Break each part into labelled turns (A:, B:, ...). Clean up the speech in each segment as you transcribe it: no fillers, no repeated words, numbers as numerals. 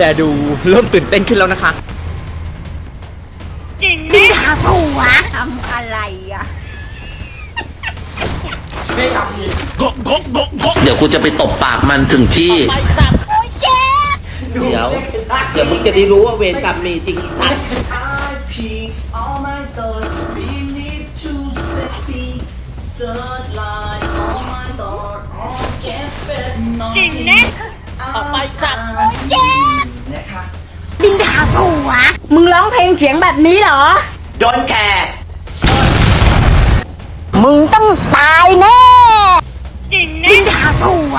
A: ดูเริ่มตื่นเต้นขึ้นแล้วนะคะ
B: จริงไหมด่าผัวทำอะไรอ่ะ
C: เดี๋ยวกูจะไปตบปากมันถึงที่เดี๋ยวมึงจะได้รู้ว่าเวรกรรมมีจริงอีสัตว์
B: จริงนะออกไปจัดบินด่าผัวมึงร้องเพลงเสียงแบบนี้เหรอ
A: โดนแคร์
B: มึงต้องตายแน่จริงนะบินด่าผัว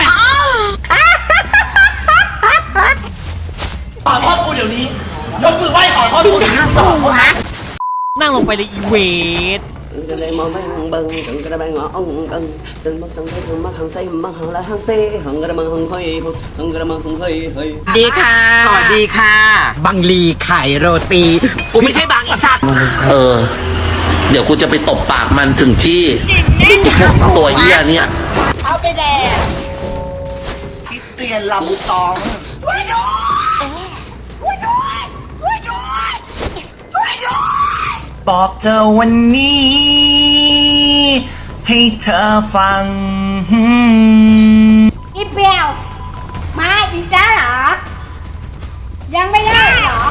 A: ขอโทษกูเดี๋ยวนี้ยกมือไหว้ขอโทษกูเดี๋ยวนี้
D: นั่งลงไปเลยอีเวท
C: ก็เลยมองไม่หังบังถึงกระบังงอองกังจนมักสังเกตถึงมักหังไส้มักหังละหังเต้หังกระมังหังเฮ้ยหังกระมังหังเฮ้ย
A: ดีค่ะสวัสดีค่ะบังลีขายโรตีกูไม่ใช่บางอีสัตว์
C: เดี๋ยวกูจะไปตบปากมันถึงที่พวกตัวเหี้ยเนี่ย
B: เอาไปแดก
A: คริสเตียนลำตองช่วยด้วยบอกเธอวันนี้ให้เธอฟัง
B: อีเปียวมาอีกแล้วเหรอยังไม่ได้เหรอ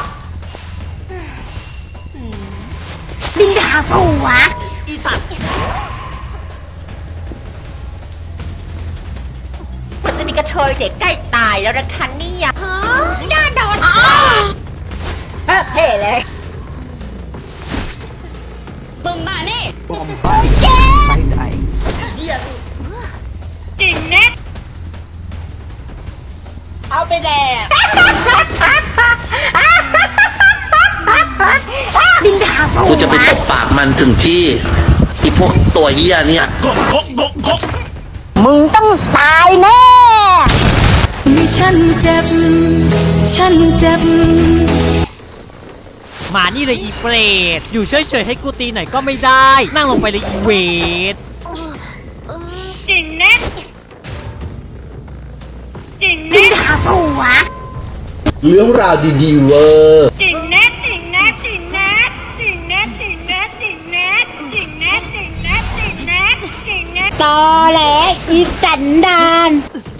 B: บินด่าผัว
A: อีสัตว์มันจะมีกระเทยเด็กใกล้ตายแล้วนะคะเนี่ยฮะน่าโดน
B: เท่เลยมึงมานี่
A: บอมบ้าไซด์ไอ
B: จริงนะเอาไปแดกบินด่าผัว
C: กูจะไปตบปากมันถึงที่อีพวกตัวเหี้ยเนี่ย
B: มึงต้องตายแน่
D: ฉันเจ็บมานี่เลยอีเฟรดอยู่เฉยๆให้กูตีหน่อยก็ไม่ได้นั่งลงไปเลยอีเวท
B: จริงนะจริงนะด่าผัว
C: เรื่องราวดีๆเวอร์
B: จริงนะตอแหลอีสันดาน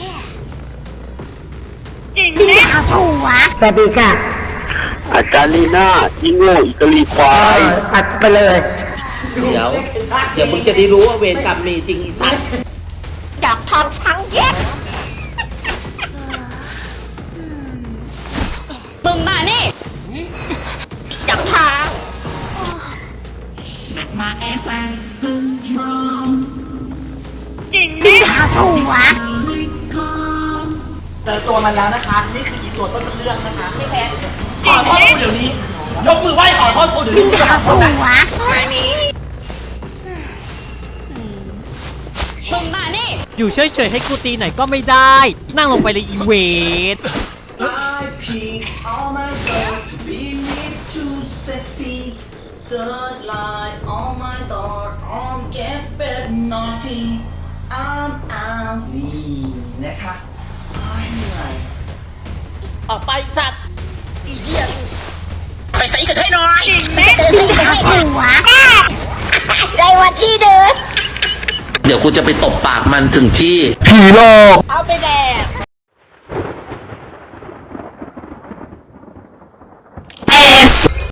B: จริงนะด่าผัว
E: สวัสดีค่ะ
C: อาจารย์ลีน่าอีโง่อีกะลีควาย
E: อัดไปเลย
C: เดี๋ยวมึงจะได้รู้ว่าเวรกรรมมีจริงอีสัตว์
B: ดอกทองช้างเย็ดมึงมานี่ดอกทองมาแอฟจริงนะด่าผัว
A: เจอตัวมันแล้วนะคะนี่คืออีตัวต้นเรื่องนะคะพี่แพทขอโทษกูเดี๋ยวนี้ยกมือไหว้ขอโทษกูเดี๋ยวนี้
B: ด่าผัวมานี่มึงมานี่
D: อยู่เฉยๆให้กูตีหน่อยก็ไม่ได้นั่งลงไปเลยอีเวท
A: นี่นะคะ
C: ออกไปสัตว์อีเหี้ย
A: ไปใส่กระเทยหน่อย
B: บินด่าผัวในวันที่เดิน
C: เดี๋ยวกูจะไปตบปากมันถึงที่
A: ผีโลก
B: เอาไปแดก